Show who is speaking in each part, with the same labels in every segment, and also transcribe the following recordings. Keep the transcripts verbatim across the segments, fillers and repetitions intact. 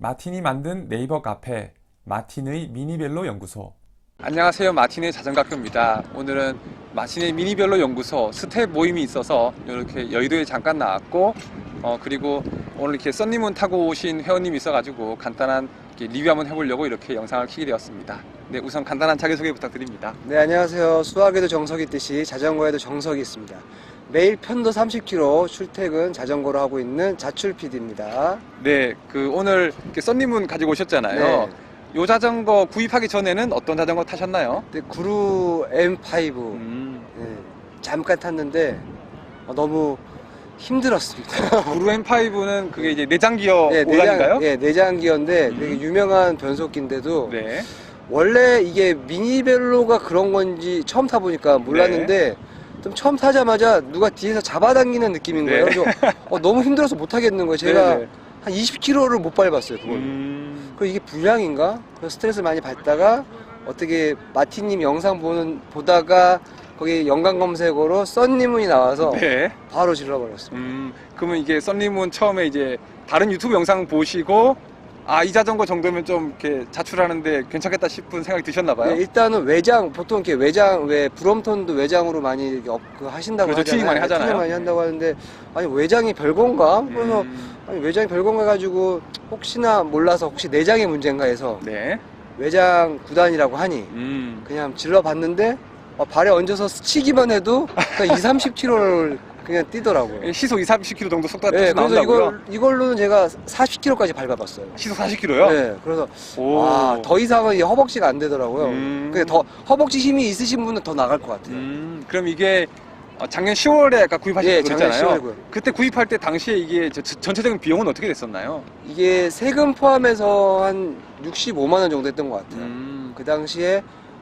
Speaker 1: 마틴이 만든 네이버 카페 마틴의 미니벨로 연구소.
Speaker 2: 안녕하세요, 마틴의 자전거학교입니다. 오늘은 마틴의 미니벨로 연구소 스텝 모임이 있어서 이렇게 여의도에 잠깐 나왔고 어 그리고 오늘 이렇게 썬님은 타고 오신 회원님이 있어가지고 간단한 리뷰 한번 해보려고 이렇게 영상을 켜게 되었습니다. 네, 우선 간단한 자기소개 부탁드립니다.
Speaker 3: 네, 안녕하세요. 수학에도 정석이 있듯이 자전거에도 정석이 있습니다. 매일 편도 삼십 킬로미터 출퇴근 자전거로 하고 있는 자출 피디입니다.
Speaker 2: 네, 그 오늘 이렇게 썬님은 가지고 오셨잖아요.
Speaker 3: 네.
Speaker 2: 요 자전거 구입하기 전에는 어떤 자전거 타셨나요?
Speaker 3: 네, 구루 엠 파이브
Speaker 2: 음,
Speaker 3: 네, 잠깐 탔는데 어, 너무 힘들었습니다.
Speaker 2: 구루 엠 파이브는 그게 이제 내장 기어
Speaker 3: 네,
Speaker 2: 오단인가요?
Speaker 3: 네, 내장 기어인데
Speaker 2: 음.
Speaker 3: 되게 유명한 변속기인데도
Speaker 2: 네.
Speaker 3: 원래 이게 미니벨로가 그런 건지 처음 타보니까 몰랐는데 좀 처음 타자마자 누가 뒤에서 잡아당기는 느낌인
Speaker 2: 네.
Speaker 3: 거예요. 그래서 어, 너무 힘들어서 못 하겠는 거예요. 제가
Speaker 2: 네네.
Speaker 3: 한 이십 킬로미터를 못 밟았어요, 그걸.
Speaker 2: 음,
Speaker 3: 그 이게 불량인가? 그래서 스트레스 많이 받다가 어떻게 마틴님 영상 보는 보다가 거기 연관 검색어로 썬님이 나와서
Speaker 2: 네.
Speaker 3: 바로 질러버렸습니다.
Speaker 2: 음, 그러면 이게 썬님은 처음에 이제 다른 유튜브 영상 보시고 아, 이 자전거 정도면 좀 이렇게 자출하는데 괜찮겠다 싶은 생각이 드셨나봐요.
Speaker 3: 네, 일단은 외장 보통 이렇게 외장 왜 브롬톤도 외장으로 많이 이렇게 업, 그 하신다고
Speaker 2: 그렇죠,
Speaker 3: 하잖아요.
Speaker 2: 튜닝 많이 하잖아요.
Speaker 3: 튜닝 많이 한다고 하는데 아니 외장이 별건가? 그래서
Speaker 2: 음,
Speaker 3: 아니 외장이 별건가 해가지고 혹시나 몰라서 혹시 내장의 문제인가 해서
Speaker 2: 네.
Speaker 3: 외장 구단이라고 하니
Speaker 2: 음,
Speaker 3: 그냥 질러봤는데 어, 발에 얹어서 스치기만 해도 그냥 이, 삼십 킬로미터를 그냥 뛰더라고요.
Speaker 2: 시속 이십, 삼십 킬로미터 정도 속도가
Speaker 3: 네, 그래서
Speaker 2: 나온다고요?
Speaker 3: 이걸, 이걸로는 제가 사십 킬로미터까지 밟아봤어요.
Speaker 2: 시속 사십 킬로미터요?
Speaker 3: 네, 그래서
Speaker 2: 오.
Speaker 3: 아, 더 이상은 이 허벅지가 안 되더라고요.
Speaker 2: 음.
Speaker 3: 근데 더 허벅지 힘이 있으신 분은 더 나갈 것 같아요.
Speaker 2: 음, 그럼 이게 어, 작년 시월에 아까 구입하신
Speaker 3: 예,
Speaker 2: 거
Speaker 3: 작년
Speaker 2: 그랬잖아요.
Speaker 3: 시월에 구입.
Speaker 2: 그때 구입할 때 당시에 이게 저- 저- 전체적인 비용은 어떻게 됐었나요?
Speaker 3: 이게 세금 포함해서 한 육십오만 원 정도 했던 것 같아요.
Speaker 2: 음,
Speaker 3: 그 당시에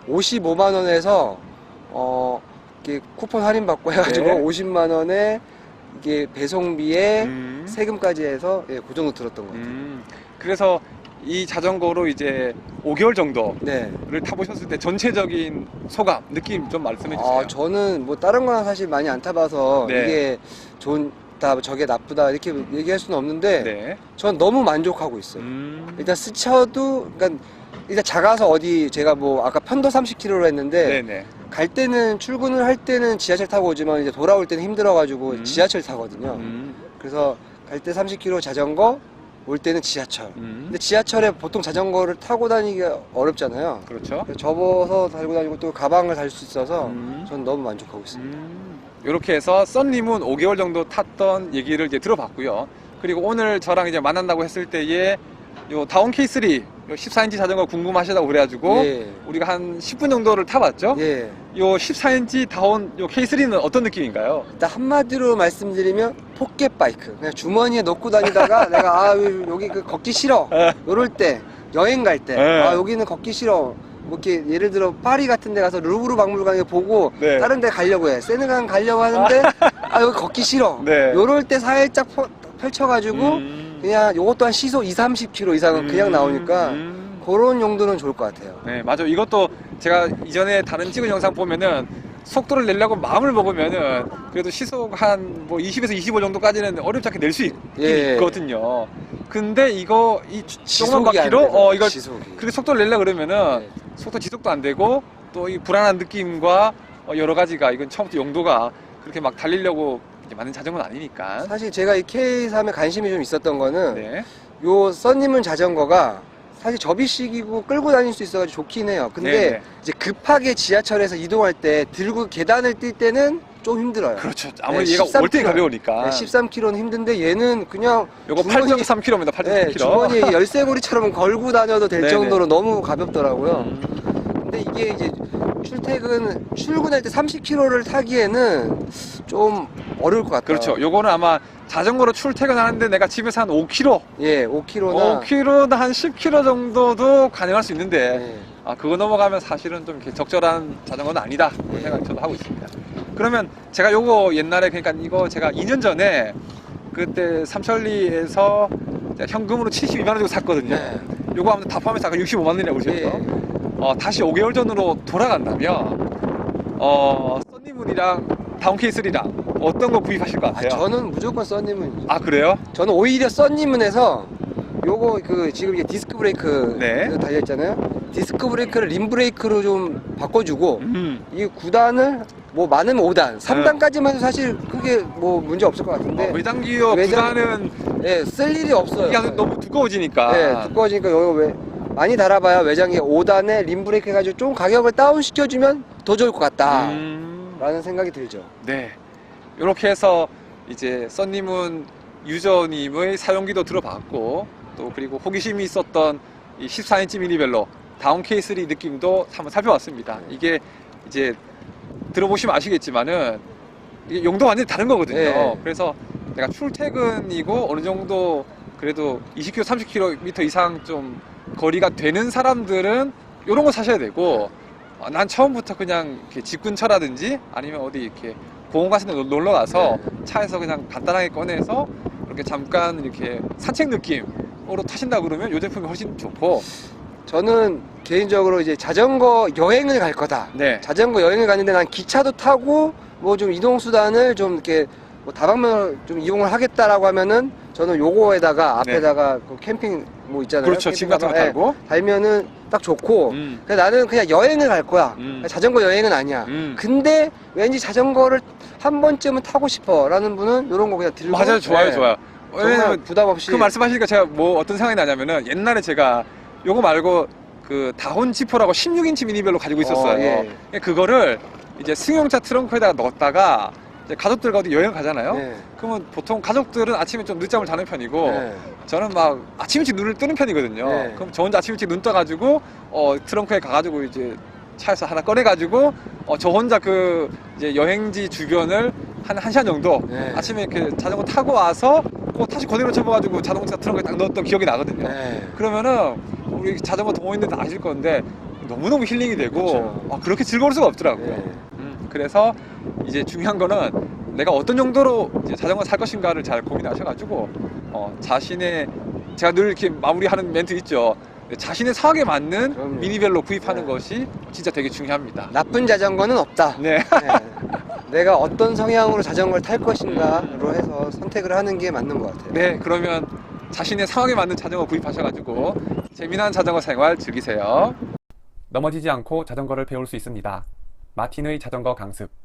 Speaker 3: 오십오만 원에서 어 이게 쿠폰 할인 받고 해가지고
Speaker 2: 네.
Speaker 3: 오십만 원에 이게 배송비에
Speaker 2: 음.
Speaker 3: 세금까지 해서 예, 그 정도 들었던 것 같아요.
Speaker 2: 음, 그래서 이 자전거로 이제 오 개월 정도를
Speaker 3: 네.
Speaker 2: 타보셨을 때 전체적인 소감, 느낌 좀 말씀해 주세요.
Speaker 3: 아, 저는 뭐 다른 거는 사실 많이 안 타봐서
Speaker 2: 네.
Speaker 3: 이게 좋다, 저게 나쁘다 이렇게 얘기할 수는 없는데
Speaker 2: 네.
Speaker 3: 전 너무 만족하고 있어요.
Speaker 2: 음,
Speaker 3: 일단 스쳐도 그러니까 일단 작아서 어디 제가 뭐 아까 편도 삼십 킬로미터로 했는데
Speaker 2: 네네.
Speaker 3: 갈 때는 출근을 할 때는 지하철 타고 오지만 이제 돌아올 때는 힘들어가지고
Speaker 2: 음.
Speaker 3: 지하철 타거든요.
Speaker 2: 음,
Speaker 3: 그래서 갈 때 삼십 킬로미터 자전거, 올 때는 지하철.
Speaker 2: 음,
Speaker 3: 근데 지하철에 보통 자전거를 타고 다니기가 어렵잖아요.
Speaker 2: 그렇죠.
Speaker 3: 그래서 접어서 달고 다니고 또 가방을 달 수 있어서
Speaker 2: 음.
Speaker 3: 전 너무 만족하고 있습니다.
Speaker 2: 음, 이렇게 해서 썬님은 오 개월 정도 탔던 얘기를 이제 들어봤고요. 그리고 오늘 저랑 이제 만난다고 했을 때에 요 다운 케이 쓰리 요 십사 인치 자전거 궁금하시다고 그래가지고
Speaker 3: 예.
Speaker 2: 우리가 한 십 분 정도를 타봤죠.
Speaker 3: 예.
Speaker 2: 요 십사 인치 다운 요 케이 쓰리는 어떤 느낌인가요?
Speaker 3: 일단 한마디로 말씀드리면 포켓 바이크. 그냥 주머니에 넣고 다니다가 내가 아 여기 그 걷기 싫어. 요럴 때 여행 갈 때
Speaker 2: 네.
Speaker 3: 아 여기는 걷기 싫어. 뭐 이렇게 예를 들어 파리 같은 데 가서 루브르 박물관에 보고
Speaker 2: 네.
Speaker 3: 다른 데 가려고 해. 세네강 가려고 하는데 아 여기 걷기 싫어.
Speaker 2: 네.
Speaker 3: 요럴 때 살짝 펴- 펼쳐가지고
Speaker 2: 음,
Speaker 3: 그냥 요것도 한 시속 이, 삼십 킬로미터 이상은 그냥
Speaker 2: 음,
Speaker 3: 나오니까
Speaker 2: 음.
Speaker 3: 그런 용도는 좋을 것 같아요.
Speaker 2: 네, 맞아. 이것도 제가 이전에 다른 찍은 영상 보면은 속도를 내려고 마음을 먹으면은 그래도 시속 한 뭐 이십에서 이십오 정도까지는 어렵지 않게 낼 수 있긴
Speaker 3: 예.
Speaker 2: 있거든요. 근데 이거 이 조그만
Speaker 3: 지속이 안
Speaker 2: 바퀴로
Speaker 3: 돼서,
Speaker 2: 어 이걸
Speaker 3: 지속이.
Speaker 2: 그렇게 속도를 내려 그러면은
Speaker 3: 네.
Speaker 2: 속도 지속도 안 되고 또 이 불안한 느낌과 어, 여러 가지가 이건 처음부터 용도가 그렇게 막 달리려고 이제 만든 자전거는 아니니까.
Speaker 3: 사실 제가 이 케이 삼에 관심이 좀 있었던 거는
Speaker 2: 네.
Speaker 3: 요 썬님은 자전거가 사실 접이식이고 끌고 다닐 수 있어가지고 좋긴 해요. 근데
Speaker 2: 네네.
Speaker 3: 이제 급하게 지하철에서 이동할 때 들고 계단을 뛸 때는 좀 힘들어요.
Speaker 2: 그렇죠. 아무리
Speaker 3: 네,
Speaker 2: 얘가
Speaker 3: 십삼
Speaker 2: 월등히
Speaker 3: 킬로미터.
Speaker 2: 가벼우니까.
Speaker 3: 네, 십삼 킬로미터는 힘든데 얘는 그냥
Speaker 2: 요거
Speaker 3: 주머니-
Speaker 2: 팔 점 삼 킬로미터입니다. 팔 점 삼
Speaker 3: 네,
Speaker 2: 킬로미터.
Speaker 3: 주머니에 열쇠고리처럼 걸고 다녀도 될
Speaker 2: 네네.
Speaker 3: 정도로 너무 가볍더라고요.
Speaker 2: 음.
Speaker 3: 근데 이게 이제 출퇴근 출근할 때 삼십 킬로미터를 타기에는 좀 어려울 것 같아요.
Speaker 2: 그렇죠. 요거는 아마 자전거로 출퇴근하는데 내가 집에서 한 오 킬로미터,
Speaker 3: 예, 오 킬로미터나
Speaker 2: 오 킬로미터나 한 십 킬로미터 정도도 가능할 수 있는데
Speaker 3: 네.
Speaker 2: 아 그거 넘어가면 사실은 좀 이렇게 적절한 자전거는 아니다 그런 생각을 저도 하고 있습니다. 그러면 제가 요거 옛날에 그러니까 이거 제가 이 년 전에 그때 삼천리에서 제가 현금으로 칠십이만 원 주고 샀거든요.
Speaker 3: 네.
Speaker 2: 요거 아무튼 다 포함해서 아까 육십오만 원이라고 그러셨죠.
Speaker 3: 예.
Speaker 2: 어, 다시 오 개월 전으로 돌아간다면 어, 썬니문이랑 다운케이 쓰리랑 어떤 거 구입하실 것
Speaker 3: 아,
Speaker 2: 같아요?
Speaker 3: 저는 무조건 썬님은
Speaker 2: 아 그래요?
Speaker 3: 저는 오히려 썬님은에서 요거 그 지금 이게 디스크 브레이크
Speaker 2: 네.
Speaker 3: 달려 있잖아요. 디스크 브레이크를 림 브레이크로 좀 바꿔주고
Speaker 2: 음.
Speaker 3: 이 구 단을 뭐 많으면 오 단, 삼 단까지만 해도 사실 크게 뭐 문제 없을 것 같은데
Speaker 2: 어, 외장 기어
Speaker 3: 외장-
Speaker 2: 구단은
Speaker 3: 예, 쓸 일이 없어요.
Speaker 2: 이게 너무 두꺼워지니까.
Speaker 3: 네, 두꺼워지니까 여기 왜 많이 달아봐야 외장에 오 단에 림 브레이크 해가지고 좀 가격을 다운 시켜주면 더 좋을 것 같다
Speaker 2: 음.
Speaker 3: 라는 생각이 들죠.
Speaker 2: 네. 이렇게 해서 이제 썬님은 유저님의 사용기도 들어봤고 또 그리고 호기심이 있었던 이 십사 인치 미니벨로 다운 케이스리 느낌도 한번 살펴봤습니다. 이게 이제 들어보시면 아시겠지만은 이게 용도가 완전히 다른 거거든요.
Speaker 3: 네.
Speaker 2: 그래서 내가 출퇴근이고 어느 정도 그래도 이십 킬로미터, 삼십 킬로미터 이상 좀 거리가 되는 사람들은 이런 거 사셔야 되고 어, 난 처음부터 그냥 이렇게 집 근처라든지 아니면 어디 이렇게 공원 같은 데 놀러 가서 차에서 그냥 간단하게 꺼내서 이렇게 잠깐 이렇게 산책 느낌으로 타신다 그러면 이 제품이 훨씬 좋고.
Speaker 3: 저는 개인적으로 이제 자전거 여행을 갈 거다.
Speaker 2: 네.
Speaker 3: 자전거 여행을 가는데 난 기차도 타고 뭐 좀 이동수단을 좀 이렇게 뭐 다방면을 좀 이용을 하겠다라고 하면은 저는 요거에다가 앞에다가 그 캠핑 뭐 있잖아요.
Speaker 2: 네. 그렇죠. 짐 같은 거
Speaker 3: 캠핑
Speaker 2: 달고.
Speaker 3: 가방, 예, 달면은 딱 좋고.
Speaker 2: 음.
Speaker 3: 그래서 나는 그냥 여행을 갈 거야.
Speaker 2: 음.
Speaker 3: 자전거 여행은 아니야.
Speaker 2: 음.
Speaker 3: 근데 왠지 자전거를 한 번쯤은 타고 싶어라는 분은 요런 거 그냥 들고.
Speaker 2: 맞아요. 좋아요.
Speaker 3: 예,
Speaker 2: 좋아요.
Speaker 3: 정말
Speaker 2: 왜냐면
Speaker 3: 부담 없이.
Speaker 2: 그 말씀하시니까 제가 뭐 어떤 생각이 나냐면은 옛날에 제가 요거 말고 그 다혼 지퍼라고 십육 인치 미니벨로 가지고 있었어요.
Speaker 3: 어, 예.
Speaker 2: 그거를 이제 승용차 트렁크에다가 넣었다가 이제 가족들과 어디 여행 가잖아요.
Speaker 3: 네.
Speaker 2: 그러면 보통 가족들은 아침에 좀 늦잠을 자는 편이고
Speaker 3: 네.
Speaker 2: 저는 막 아침 일찍 눈을 뜨는 편이거든요.
Speaker 3: 네.
Speaker 2: 그럼 저 혼자 아침 일찍 눈 떠가지고 어, 트렁크에 가가지고 이제 차에서 하나 꺼내가지고 어, 저 혼자 그 이제 여행지 주변을 한 한 시간 정도
Speaker 3: 네.
Speaker 2: 아침에 이렇게 자전거 타고 와서 그 다시 그대로 접어가지고 자동차 트렁크에 딱 넣었던 기억이 나거든요.
Speaker 3: 네.
Speaker 2: 그러면은 우리 자전거 동호인들 다 아실 건데 너무너무 힐링이 되고
Speaker 3: 그렇죠.
Speaker 2: 아, 그렇게 즐거울 수가 없더라고요.
Speaker 3: 네.
Speaker 2: 음, 그래서 이제 중요한 거는 내가 어떤 정도로 이제 자전거 살 것인가를 잘 고민하셔가지고 어, 자신의 제가 늘 이렇게 마무리하는 멘트 있죠. 자신의 상황에 맞는
Speaker 3: 그럼요.
Speaker 2: 미니벨로 구입하는
Speaker 3: 네.
Speaker 2: 것이 진짜 되게 중요합니다.
Speaker 3: 나쁜 자전거는 없다.
Speaker 2: 네.
Speaker 3: 네. 내가 어떤 성향으로 자전거를 탈 것인가로 해서 선택을 하는 게 맞는 것 같아요.
Speaker 2: 네, 그러면 자신의 상황에 맞는 자전거 구입하셔가지고 재미난 자전거 생활 즐기세요.
Speaker 1: 넘어지지 않고 자전거를 배울 수 있습니다. 마틴의 자전거 강습.